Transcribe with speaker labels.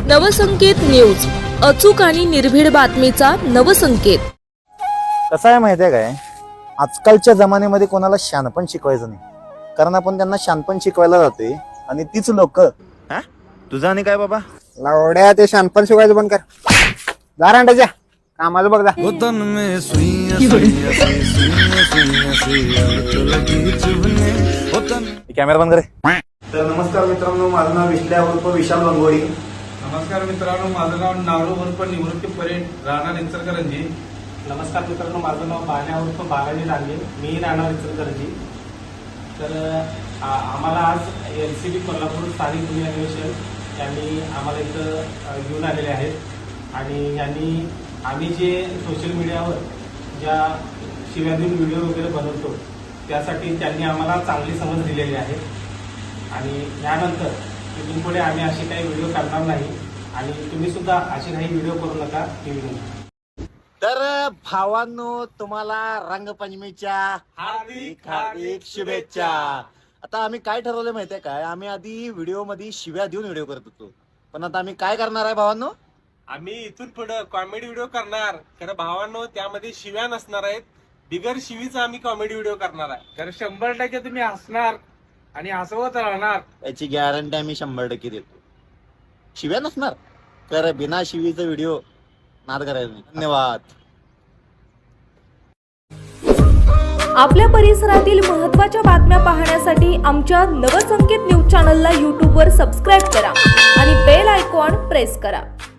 Speaker 1: नवसंकेत news, अचूक आणि निर्भीड बातमीचा नवसंकेत.
Speaker 2: कसं आहे माहिती आहे काय, आजकालच्या जमान्यामध्ये कोणाला शहाणपण शिकवायचं नाही, कारण आपण त्यांना शहाणपण शिकवायला जातोय आणि तीच लोक तुझा आणि काय बाबा
Speaker 3: लावड्या ते शहाणपण शिकवायचं बंद कर. जा रांडाच्या कामाचं बघ जा.
Speaker 2: कॅमेरा बंद करे. तर नमस्कार मित्रांनो, माझं नाव विश्ल्या उर्फ विशाल गंगोळी.
Speaker 4: नमस्कार मित्रांनो, माझं नाव नारू उर्फ निवृत्ती परेड, राहणार इचलकरंजी.
Speaker 5: नमस्कार मित्रांनो, माझं नाव बाल्या उर्फ बालाजी डांगे, मी राहणार इचलकरंजी. तर आम्हाला आज LCB कोल्हापूर स्थानिक गुन्हे अन्वेषण यांनी आम्हाला इथं घेऊन आलेले आहेत आणि यांनी आम्ही जे सोशल मीडियावर ज्या शिव्या देऊन व्हिडिओ वगैरे बनवतो त्यासाठी त्यांनी आम्हाला चांगली समज दिलेली आहे आणि यानंतर इथून पुढे आम्ही असे काही व्हिडिओ करणार नाही आणि तुम्ही सुद्धा असे काही व्हिडिओ करू नका ही विनंती.
Speaker 2: तर भावांनो, तुम्हाला रंगपंचमीच्या हार्दिक हार्दिक शुभेच्छा. आता आम्ही काय ठरवलं माहितीये काय, आम्ही आधी व्हिडिओ मध्ये शिव्या देऊन व्हिडिओ करत होतो, पण आता आम्ही काय करणार आहे भावांनो,
Speaker 4: आम्ही इथून पुढे कॉमेडी व्हिडिओ करणार. खरं भावांनो, त्यामध्ये शिव्या नसणार आहेत, बिगर शिवीचा आम्ही कॉमेडी व्हिडिओ करणार आहे.
Speaker 5: तर 100% तुम्ही हसणार आणि हसवत राहणार
Speaker 2: याची गॅरंटी आम्ही 100% देतो. शिव्या नसणार, तर बिना शिवीचा व्हिडिओ नाद करायचा नाही. धन्यवाद.
Speaker 1: आपल्या परिसरातील महत्त्वाच्या बातम्या पाहण्यासाठी आमच्या नवसंकेत न्यूज चॅनलला यूट्यूबवर सबस्क्राईब करा आणि बेल आयकॉन प्रेस करा.